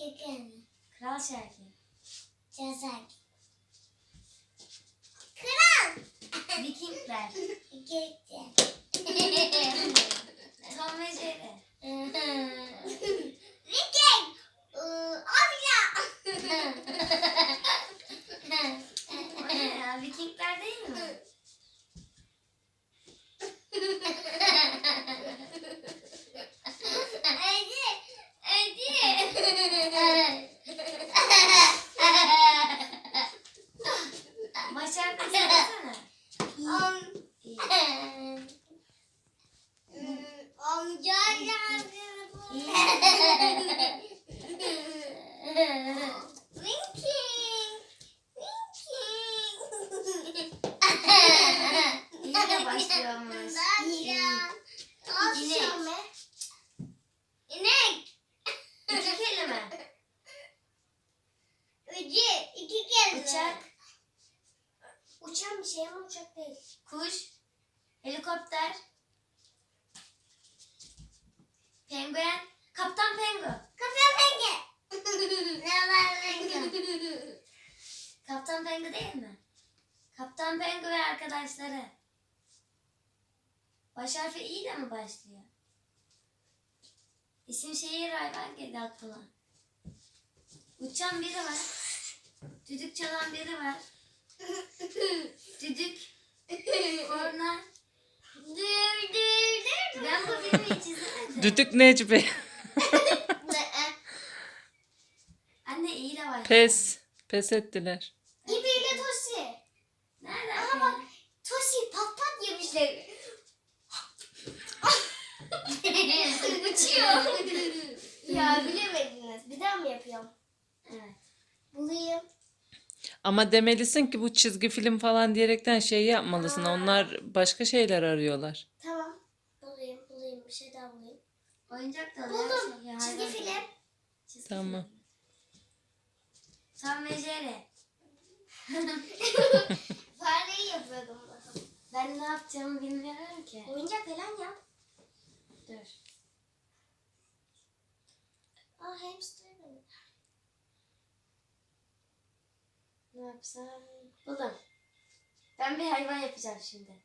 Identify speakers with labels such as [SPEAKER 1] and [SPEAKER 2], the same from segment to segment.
[SPEAKER 1] Şekerim.
[SPEAKER 2] Kral Şakir.
[SPEAKER 1] Cezaek. Kral.
[SPEAKER 2] Vikingler.
[SPEAKER 1] Gökçe.
[SPEAKER 2] Tom ve Jerry.
[SPEAKER 1] Viking. Amca.
[SPEAKER 2] O ne ya? Vikingler değil mi? Başar da söylesene.
[SPEAKER 1] Amca Winking.
[SPEAKER 2] İyle başlıyormuş.
[SPEAKER 1] İnek.
[SPEAKER 2] İki kelime.
[SPEAKER 1] İki kere.
[SPEAKER 2] Uçak.
[SPEAKER 1] Uçan bir şey ama uçak değil.
[SPEAKER 2] Kuş. Helikopter. Penguen. Kaptan Pengu.
[SPEAKER 1] Kaptan Penge. Ne var Penge?
[SPEAKER 2] Kaptan Pengu değil mi? Kaptan Pengu ve arkadaşları. Baş harfi İ ile mi başlıyor? İsim, şehir, hayvan geldi aklıma. Uçan biri var. Düdük çalan biri var. Düdük. Korna. Ben bu filmi hiç izlemedim.
[SPEAKER 3] Düdük Necmi.
[SPEAKER 2] Anne İ ile başlıyor.
[SPEAKER 3] Pes. Pes ettiler.
[SPEAKER 1] İbiyle Tosi.
[SPEAKER 2] Nereden?
[SPEAKER 1] Aha bak Tosi pat pat yemişler. Uçuyor. Ya bilemediniz. Bir daha mı yapıyorum?
[SPEAKER 2] Evet.
[SPEAKER 1] Bulayım.
[SPEAKER 3] Ama demelisin ki bu çizgi film falan diyerekten şey yapmalısın. Onlar başka şeyler arıyorlar.
[SPEAKER 1] Tamam. Bulayım. Bir şey daha bulayım.
[SPEAKER 2] Oyuncak da
[SPEAKER 1] Buldum.
[SPEAKER 2] Ya,
[SPEAKER 1] Çizgi
[SPEAKER 2] hayvan
[SPEAKER 1] film.
[SPEAKER 2] da. Çizgi
[SPEAKER 3] Tamam.
[SPEAKER 2] film. Tom ve Jerry.
[SPEAKER 1] Fareyi yapıyordum.
[SPEAKER 2] Ben ne yapacağımı bilmiyorum ki.
[SPEAKER 1] Oyuncak falan yap.
[SPEAKER 2] Dur.
[SPEAKER 1] Hamster mi?
[SPEAKER 2] Ne yapsam? Buldum. Ben bir hayvan yapacağım şimdi.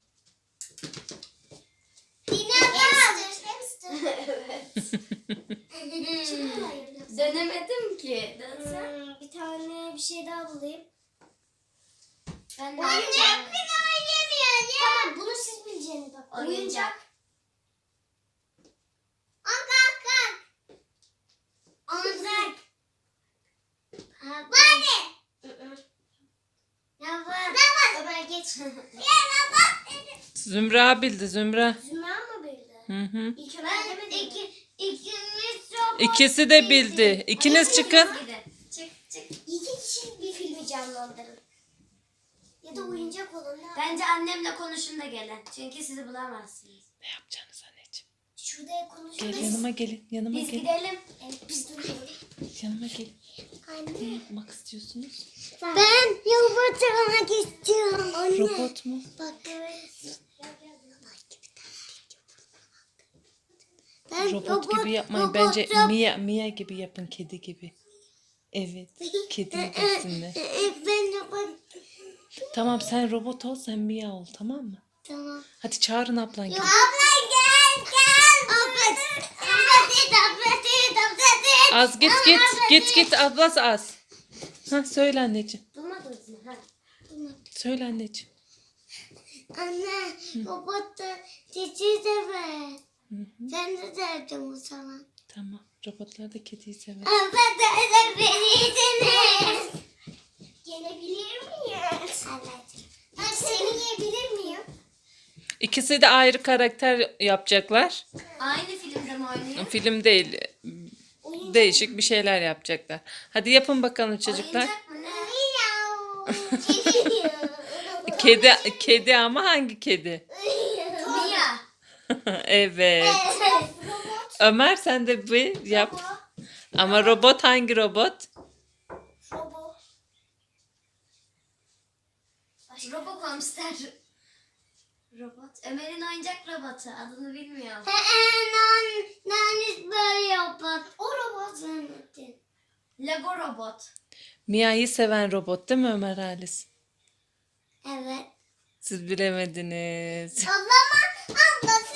[SPEAKER 1] Hamster.
[SPEAKER 2] Evet.
[SPEAKER 1] Çok kolay yapıyorsun.
[SPEAKER 2] Dönemedim ki. Dönsem.
[SPEAKER 1] Bir tane bir şey daha bulayım.
[SPEAKER 2] Ben de
[SPEAKER 1] Oyuncak
[SPEAKER 2] yapacağım.
[SPEAKER 1] bile oynamıyor ya. Tamam bunu siz bileceğiniz bak.
[SPEAKER 2] Oyuncak.
[SPEAKER 1] Kalk. Oyuncak. Bari.
[SPEAKER 2] Ya var.
[SPEAKER 1] Ömer geç.
[SPEAKER 3] Zümra bildi Zümra.
[SPEAKER 1] Zümra mı bildi?
[SPEAKER 3] Hı hı.
[SPEAKER 1] İlk Ömer demedi mi? İkimiz robot.
[SPEAKER 3] İkisi de bildi. İkiniz çıkın.
[SPEAKER 2] Çık.
[SPEAKER 1] İki kişi bir filmi canlandırın. Ya da oyuncak olun.
[SPEAKER 2] Bence annemle konuşun da gelin. Çünkü sizi bulamazsınız.
[SPEAKER 3] Ne yapacaksınız anneciğim?
[SPEAKER 1] Şurada
[SPEAKER 3] Gel
[SPEAKER 1] konuşuruz.
[SPEAKER 3] yanıma gelin. Yanıma
[SPEAKER 2] Biz
[SPEAKER 3] gelin.
[SPEAKER 2] gidelim.
[SPEAKER 1] Evet biz duruyoruz.
[SPEAKER 3] Yanıma gelin. Ne
[SPEAKER 1] Anne.
[SPEAKER 3] yapmak istiyorsunuz?
[SPEAKER 1] Ben robot olmak istiyorum. Anne.
[SPEAKER 3] Robot mu?
[SPEAKER 1] Bak evet. Ben
[SPEAKER 3] Robot gibi yapmayın. Bence Mia gibi yapın. Kedi gibi. Evet. Kedi gibisinler.
[SPEAKER 1] Ben robot.
[SPEAKER 3] Tamam sen robot ol, sen Mia ol, tamam mı?
[SPEAKER 1] Tamam.
[SPEAKER 3] Hadi çağırın ablan gel.
[SPEAKER 1] Abla gel. Abla.
[SPEAKER 3] Az git ablası az. Ha söyle anneciğim.
[SPEAKER 2] Bulmadınız mı? Ha.
[SPEAKER 3] Söyle anneciğim.
[SPEAKER 1] Anne robot da çiçeği sever.
[SPEAKER 3] Hı hı.
[SPEAKER 1] Ben de derdim o zaman.
[SPEAKER 3] Tamam. Robotlar da kediyi sever.
[SPEAKER 1] Ama da beni gelebilir miyim? Evet. Ben seni yiyebilir miyim?
[SPEAKER 3] İkisi de ayrı karakter yapacaklar.
[SPEAKER 2] Aynı filmde mi oynuyor?
[SPEAKER 3] Film değil. Değişik bir şeyler yapacaklar. Hadi yapın bakalım çocuklar.
[SPEAKER 2] Oyuncak mı ne?
[SPEAKER 3] Kedi ama hangi kedi?
[SPEAKER 2] Mia.
[SPEAKER 3] Evet. Ömer sen de bir yap. Ama robot hangi robot?
[SPEAKER 2] Robokomster. Robot. Ömer'in oyuncak robotu. Adını bilmiyorum.
[SPEAKER 1] Nanis böyle robot. O robot zannettin.
[SPEAKER 2] Lego robot.
[SPEAKER 3] Mia'yı seven robot değil mi Ömer Halis?
[SPEAKER 1] Evet.
[SPEAKER 3] Siz bilemediniz.
[SPEAKER 1] O zaman abla